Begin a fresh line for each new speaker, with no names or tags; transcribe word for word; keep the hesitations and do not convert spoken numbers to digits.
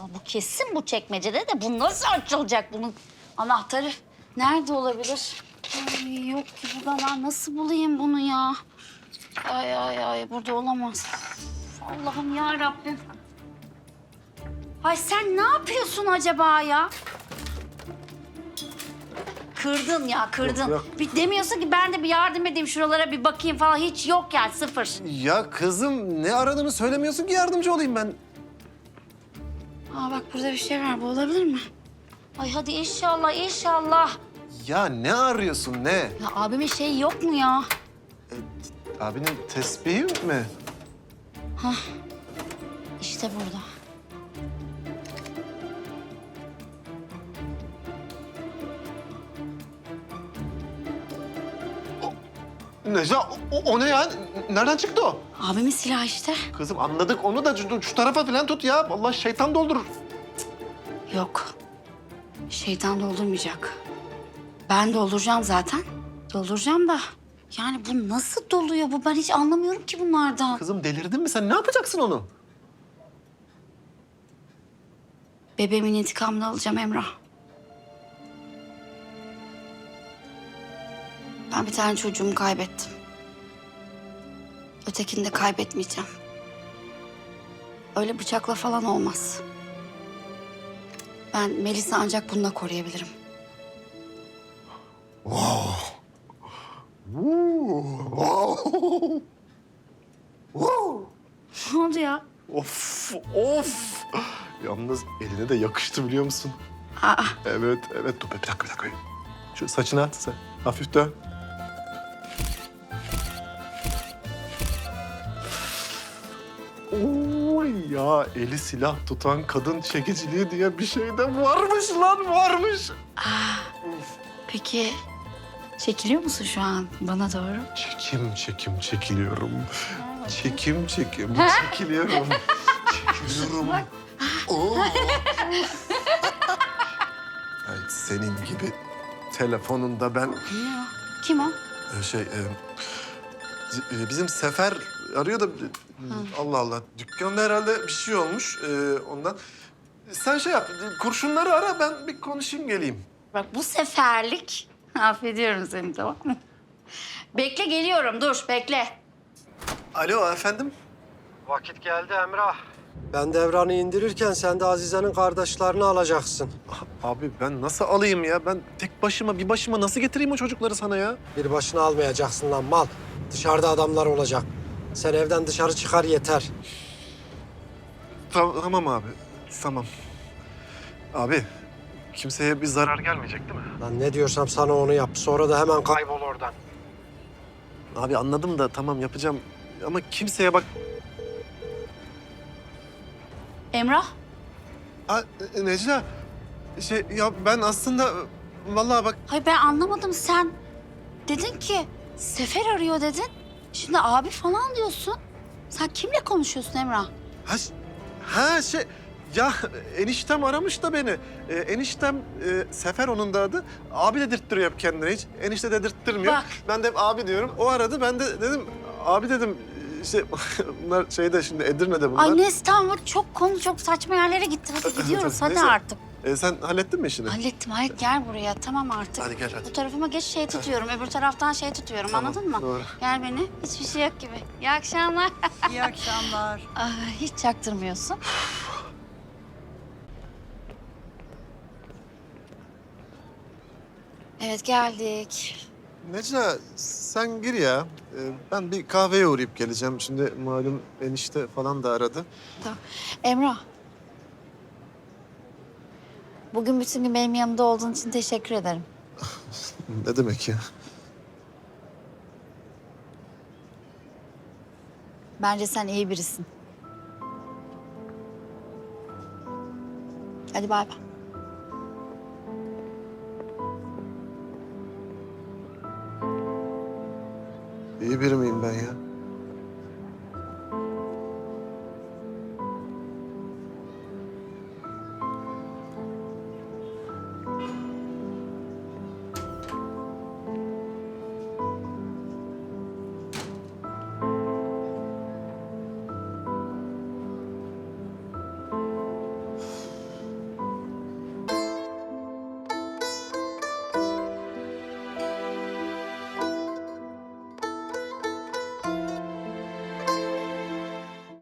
bu kesin bu çekmecede de bu nasıl açılacak bunun anahtarı? Nerede olabilir? Ay, yok ki burada ben nasıl bulayım bunu ya? Ay ay ay burada olamaz. Allah'ım ya Rabbim. Ay sen ne yapıyorsun acaba ya? Kırdın ya kırdın.
Yok, yok.
Bir demiyorsun ki ben de bir yardım edeyim şuralara bir bakayım falan. Hiç yok yani sıfır.
Ya kızım ne aradığını söylemiyorsun ki yardımcı olayım ben.
Aa bak burada bir şey var. Bu olabilir mi? Ay hadi inşallah inşallah.
Ya ne arıyorsun ne?
Ya abimin şeyi yok mu ya?
Abinin tesbihi mi?
İşte burada.
Necla o, o ne ya? Nereden çıktı o?
Abimin silahı işte.
Kızım anladık onu da şu, şu tarafa falan tut ya. Vallahi şeytan doldurur.
Yok. Şeytan doldurmayacak. Ben dolduracağım zaten. Dolduracağım da. Yani bu nasıl doluyor bu? Ben hiç anlamıyorum ki bunlardan.
Kızım delirdin mi sen? Ne yapacaksın onu?
Bebeğimin intikamını alacağım Emrah. Ben bir tane çocuğumu kaybettim. Ötekini de kaybetmeyeceğim. Öyle bıçakla falan olmaz. Ben Melis'i ancak bununla koruyabilirim. Ne oldu ya?
Of of. Yalnız eline de yakıştı biliyor musun?
Aa,
Evet evet dur bir dakika bir dakika. Şu saçını at sen. Hafif dön. Oy ya eli silah tutan kadın çekiciliği diye bir şey de varmış lan varmış.
peki çekiliyor musun şu an bana doğru?
Çekim çekim çekiliyorum. Çekim çekim çekiliyorum. Çekiliyorum. Oo. Ay, senin gibi telefonunda ben
Kim o? Kim o?
e, şey e, c- e, bizim Sefer arıyor da e, Allah Allah dükkanda herhalde bir şey olmuş e, ondan. Sen şey yap kurşunları ara ben bir konuşayım geleyim.
Bak bu seferlik affediyorum seni tamam mı? Bekle geliyorum dur bekle.
Alo efendim.
Vakit geldi Emrah.
Ben devranı indirirken sen de Azize'nin kardeşlerini alacaksın.
Abi ben nasıl alayım ya? Ben tek başıma bir başıma nasıl getireyim o çocukları sana ya?
Bir başına almayacaksın lan mal. Dışarıda adamlar olacak. Sen evden dışarı çıkar yeter.
Tamam, tamam abi. Tamam. Abi kimseye bir zarar gelmeyecek değil mi?
Lan ne diyorsam sana onu yap. Sonra da hemen kaybol oradan.
Abi anladım da tamam yapacağım. Ama kimseye bak...
Emrah
Aa, e, Necla, şey ya ben aslında vallahi bak...
hayır ben anlamadım sen dedin ki Sefer arıyor dedin. Şimdi abi falan diyorsun. Sen kimle konuşuyorsun Emrah?
Ha, ş- ha şey... Ya eniştem aramış da beni. Ee, eniştem e, Sefer onun da adı. Abi dedirttiriyor hep kendine hiç. Enişte dedirttirmiyor.
Bak.
Ben de hep abi diyorum. O aradı ben de dedim abi dedim işte bunlar şeyde şimdi Edirne'de bunlar.
Ay neyse tamam çok konu çok saçma yerlere gitti. Hadi gidiyoruz hadi
Neyse.
artık.
Ee, sen hallettin mi işini?
Hallettim hayır gel buraya tamam artık.
Hadi gel hadi.
Bu tarafıma geç şey tutuyorum öbür taraftan şey tutuyorum
Tamam,
anladın mı?
doğru.
Gel beni hiçbir şey yok gibi. İyi akşamlar.
İyi akşamlar.
Aa, hiç çaktırmıyorsun. Evet geldik.
Necla sen gir ya. Ee, ben bir kahveye uğrayıp geleceğim. Şimdi malum enişte falan da aradı.
Tamam. Emrah. Bugün bütün gün benim yanımda olduğun için teşekkür ederim.
Ne demek ya?
Bence sen iyi birisin. Hadi bay bay.
İyi biri miyim ben ya?